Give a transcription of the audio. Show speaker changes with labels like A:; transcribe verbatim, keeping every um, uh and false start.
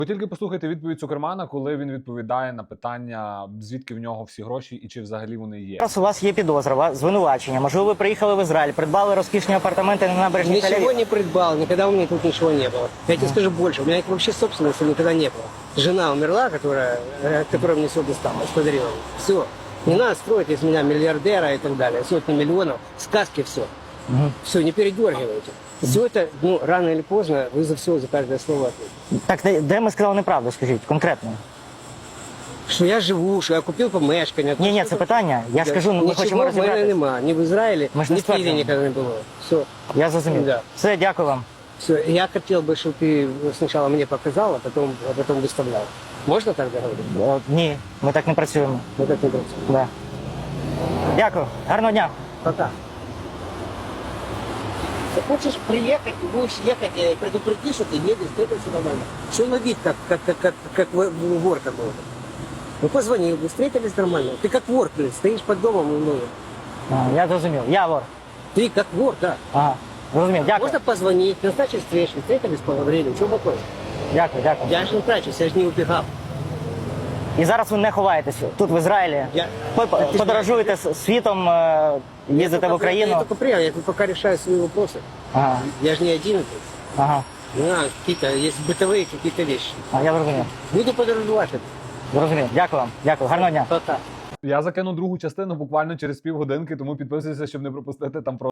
A: Ви тільки послухайте відповідь Цукермана, коли він відповідає на питання, звідки в нього всі гроші і чи взагалі вони є.
B: Зараз у вас є підозра, ва- звинувачення. Можливо, ви приїхали в Ізраїль, придбали розкішні апартаменти на набережній
C: Ничего
B: Тель-Авів.
C: не придбал, никогда у меня тут ничего не было. Я тебе скажу больше, у меня вообще собственности никогда не было. Жена умерла, которая, э, которая мне все досталось, подарила. Все. Не надо строить из меня миллиардера и так далее. Сотни миллионов, сказки, все. Все, не передергивайте. Все это, ну, рано или поздно, вы за все, за каждое слово ответите.
B: Так, де, де ми сказали неправду, скажіть, конкретно?
C: Що я живу, що я купив помешкання.
B: Ні, ні, це питання. Я ж кажу, ну, ми
C: Нічого
B: хочемо
C: в мене
B: розібратися.
C: нема, ні в Ізраїлі,
B: Ми ж не
C: ні в Києві
B: стверджуємо.
C: ніколи не було. Все.
B: Я зрозумів.
C: Да.
B: Все, дякую вам.
C: Все, я хотел бы, чтобы ты сначала мне показал, а потом, а потом выставлял. Можно так договориться?
B: О, ні, ми так не працюємо.
C: Вот это вот.
B: Да. Дякую. Гарного дня.
C: Пока. Ты хочешь приехать, будешь ехать, э, предупреди, что ты едешь, это все нормально. Что на вид, как, как, как, как, как в- вор какой-то. Ну позвонил, вы встретились нормально. Ты как вор, блин, стоишь под домом, ну,
B: А, я зрозумів. Я вор.
C: ты как вор, да.
B: Ага. Зрозумів. Дякую.
C: Можно позвонить, назначить встречу, встретились, поговорили, что такое?
B: Дякую, дякую.
C: Я же не трачусь, я же не убегал.
B: І зараз ви не ховаєтесь тут, в Ізраїлі.
C: Я-
B: Ви
C: Ти ж
B: подорожуєте с- світом, е, їздите в
C: Я
B: Україну.
C: только приехал, я тут пока решаю свои вопросы.
B: Ага,
C: Я же не один тут.
B: ага.
C: Ну, а, какие-то, есть бытовые какие-то вещи.
B: А, я зрозумів.
C: Буду подорожувати.
B: Зрозумів. Дякую вам. Дякую. Гарного дня.
C: Пока.
A: Я закину другу частину буквально через півгодинки, тому підписуйся, щоб не пропустити там про